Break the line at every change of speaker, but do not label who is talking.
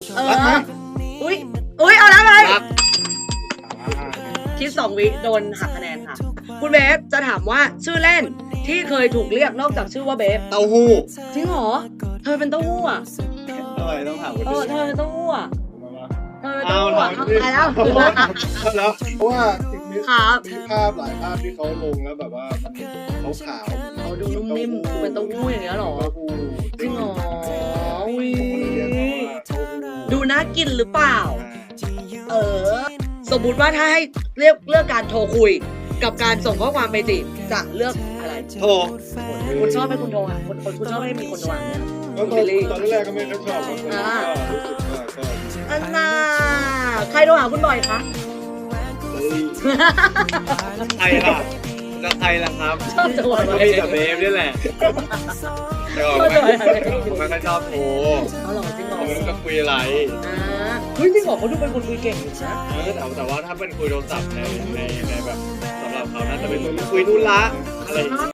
อุ้ยเอาแล้วไง
รัก
คิด2 วิโดนหักคะแนนค่ะ คุณเบฟจะถามว่าชื่อเล่นที่เคยถูกเรียกนอกจากชื่อว่าเบฟ
เต้าหู้
จริงเหรอเธอเป็นเต้าหู้อ่ะ
ทำไมต้องถามคน
เอ
อื่
อน เธอเป็นเต้าหู้อ่ะเธอเป็น
เอา
เต้าหู้อ่ะ
ถาม
เข้าใจแล้ว
แล้ว
เพราะว่ามี
ครับ
ภาพหลายภาพที่เขาลงแล้วแบบว่ามันขาว
เขาดูนุ่มนิ่มเป็นเต้าหู้อย่างเงี้ยเหรอ
เต้าหู้
จริงเหรออุ้ย
เรียกเขาว่าเต้าหู้
ดูน่ากินหรือเปล่า สมมุติว่าถ้าให้เลือกการโทรคุย กับการส่งข้อความไปจีบจะเลือกอะไร
โทร
คุณชอบให้คุณโทรอ่ะคุณชอบให้มีคนโทรอ่ะเนี่ย
แล้วตอนแรกก็ไม่ได้ชอบครับตอนนี้ก็รู้สึกว่าก็
อันน่าใครโทรหาคุณบ่อยคะ
ใครล่ะจะใครล่ะครับ
ชอบโทร
ก็มีแต่เบฟนี่แหละแต่ก็ผมไม่ค่อยชอบโทร
เอาหรอจริงเหรอ
ผมจะคุยอะไร
เฮ้ยจริงเหรอเขาดูเป็นคนคุยเก่งอยู่นะ
แต่ว่าถ้าเป็นคุยโทรศัพท์ในแบบสำหรับเขาน่าจะเป็นคุยธุระอะไรอย่างเงี้ย